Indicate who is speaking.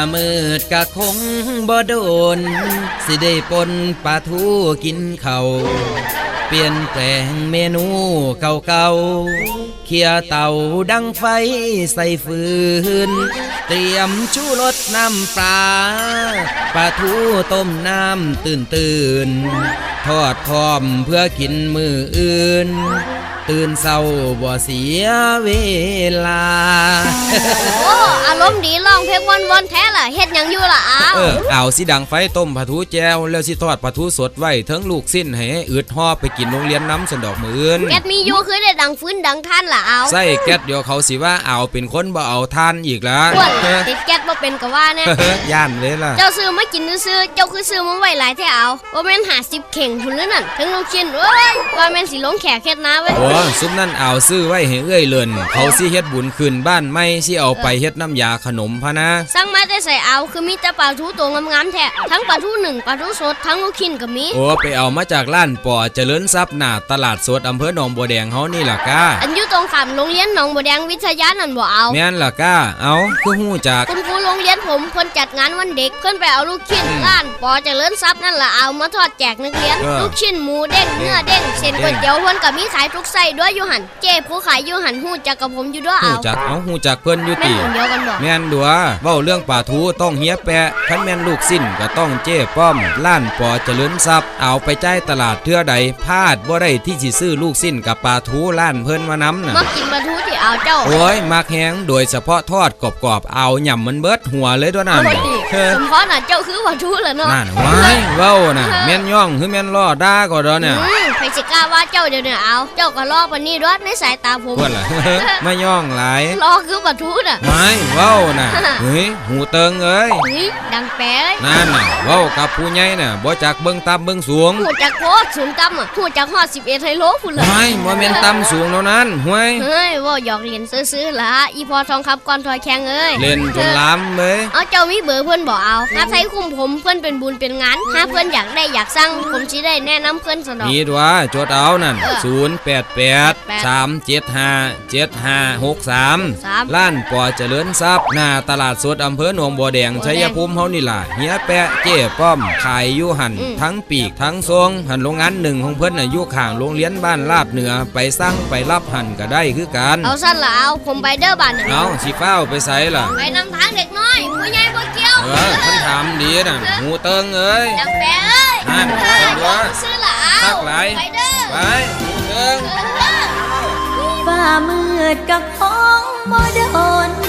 Speaker 1: มืดกะคงบ่โดนสิได้ปนปลาทูกินเขาเปลี่ยนแปลงเมนูเก่าๆเขี่ยเต่าดังไฟใส่ฟืนเตรียมชูรสน้ำปลาปลาทูต้มน้ำตื่นทอดพร้อมเพื่อกินมื้ออื่นตื่นเศร้าบ่เสียเวลา
Speaker 2: โอ้อารมณ์ดีร้องเพลงวนๆแท้ล่ะเฮ็ดหยังอยู่ล่ะ
Speaker 1: เอาสิดังไฟต้มปลาทูแจวแล้วสิทอดปลาทูสดไว้ทั้งลูกสิ้นให้อึดหอบไปกินโรงเรียนน้ำสันดอกมื้ออื่น
Speaker 2: แก๊สมีอยู่คือได้ดังฟื้นดังท่านล่ะเอา
Speaker 1: ใส่แก๊สเดี๋ยวเขาสิว่าเอาเป็นคนบ่เอาท่านอีกแล้ว
Speaker 2: ติดแก๊สบ่เป็นก็ว่าแน่
Speaker 1: ย่านเลยล่ะ
Speaker 2: เจ้าซื้อมากินซื้อเจ้าคือซื้อมาไว้หลายแท้เอาบ่แม่น50เข่งพุ่นนั่นทั้งลูกชิ้นโอ้ยว่าแม่นสิลงแขกเฮ็ดนาเว้ย
Speaker 1: โอ้ซุมนั่นเอาซื้อไว้ให้เอื้อยเลินเขาสิเฮ็ดบุญคืนบ้านไม่สิเอาไปเฮ็ดน้ำยาขนมพะนะ
Speaker 2: สั่งมาได้ใส่เอาคือมีแต่ปลาทูตัวงามๆแท้ทั้งปลาทูนึ่งปลาทูสดทั้งลูกชิ้นก็มี
Speaker 1: โอ้ไปเอามาจากร้านปอเจริญทรัพย์หน้าตลาดสดอำเภอหนองบัวแดงเฮานี่ล่ะก้า
Speaker 2: อันอยู่ตรงข้ามโรงเรียนหนองบัวแดงวิทยานั่นบ่เอา
Speaker 1: แม่นล่ะก้าเอาคือฮู้จัก
Speaker 2: คุณครูโรงเรียนผมเพิ่นจัดงานวันเด็กเพิ่นไปเอาลูกชิ้นร้านปอเจริญทรัพย์นั่นล่ะเอามาทอดแจกนักเรียนลูกชิ้นหมูเด้งเนื้อเด้งเส้นก๋วยเตี๋ยวเพิ่นก็มีขายทุกไส้ด้วยอยู่หั่นเจ้ผู้ขายอยู่หั่นฮู้จักกับผมอยู่ด้วยเอา
Speaker 1: ฮู้จักฮู้จักเพิ่นอยู่ติ
Speaker 2: แม่นเดียวกันบ่
Speaker 1: แม่นดัวเว้าเรื่องปลาทูต้องเฮียแปะคันแม่นลูกสิ้นก็ต้องเจ้ป้อมร้านปอเจริญทรัพย์เอาไปจ่ายตลาดเทื่อใดพลาดบ่ได้ที่สิซื้อลูกสิ้นกับปลาทูร้านเพิ่นมานำน่ะ
Speaker 2: มักกินปลาทูที่เอาเจ้า
Speaker 1: โอ้ยมักแฮงโดยเฉพาะทอดกรอบๆเอาหย่ำมันเบิดหัวเลยตัวนั้น
Speaker 2: สมพรน่ะเจ้าคือปลาทูล่ะเนาะ
Speaker 1: นั่นว้ายเว้าน่ะแม่นย่องคือแม่นล้อด่าก็ดอเนี่ย
Speaker 2: ใครสิกล้าว่าเจ้าเดี๋ยวเอาเจ้าก็ล้อปานนี้ด้วยในสายตาผม
Speaker 1: เพิ่นล่ะไม่ย่องหลาย
Speaker 2: ล้อคือปลาทูน่ะ
Speaker 1: ไม่เว้าน่ะเฮ้ยหูเติงเอ้ย
Speaker 2: ดังแป๊ะ
Speaker 1: นั่นน่ะเว้ากับผู้ใหญ่น่ะบ่จักเบิ่งต่ำเบิ่งสูง
Speaker 2: ฮู้จักโคตรสูงต่ำอ่ะฮู้จักฮอด11ไฮโลพุ่นล่ะ
Speaker 1: ไม่บ่แม่นต่ำสูงเท่านั้นห้วย
Speaker 2: เฮ้ยว่าหยอกเล่นซื่อๆล่ะอีพอทองคำก่อนถอยแข้งเอ้ย
Speaker 1: เล่นจนล้ำเลย
Speaker 2: เอาเจ้ามีเบอร์เพิ่นบ่เอาถ้าไทยคุมผมเพิ่นเป็นบุญเป็นงานถ้าเพิ่นอยากได้อยากสั่งผมสิได้แนะนำเพิ่นซะดอก
Speaker 1: มีตัวจดเอานั่น088 375 7563ร้านปอเจริญทรัพย์หน้าตลาดสดอำเภอหนองบัวแดงชัยภูมิเฮานี่ล่ะเฮียแปะเจ้ป้อมขายอยู่หั่นทั้งปีกทั้งทรงหั่นโรงงานหนึ่งของเพิ่นน่ะอยู่ข้างโรงเรียนบ้านลาดเหนือไปสั่งไปรับหั่นก็ได้คือกัน
Speaker 2: เอาซั่นล่ะเอาผมไปเด้อบ้านน่ะ
Speaker 1: เอาสิฟ้าวไปไสล่ะ
Speaker 2: ไปนำทางเด็กน้อยผู้ใหญ่บ่เกี่ยว
Speaker 1: เพิ่นถามดีน่ะหูเติงเอ้ย
Speaker 2: จังแปะเอ้ย
Speaker 1: นั่น
Speaker 2: ซื้อล่ะเอาไปเด้อ
Speaker 1: ไปหูเติง
Speaker 3: ฟ้ามืดกับของบ่โดน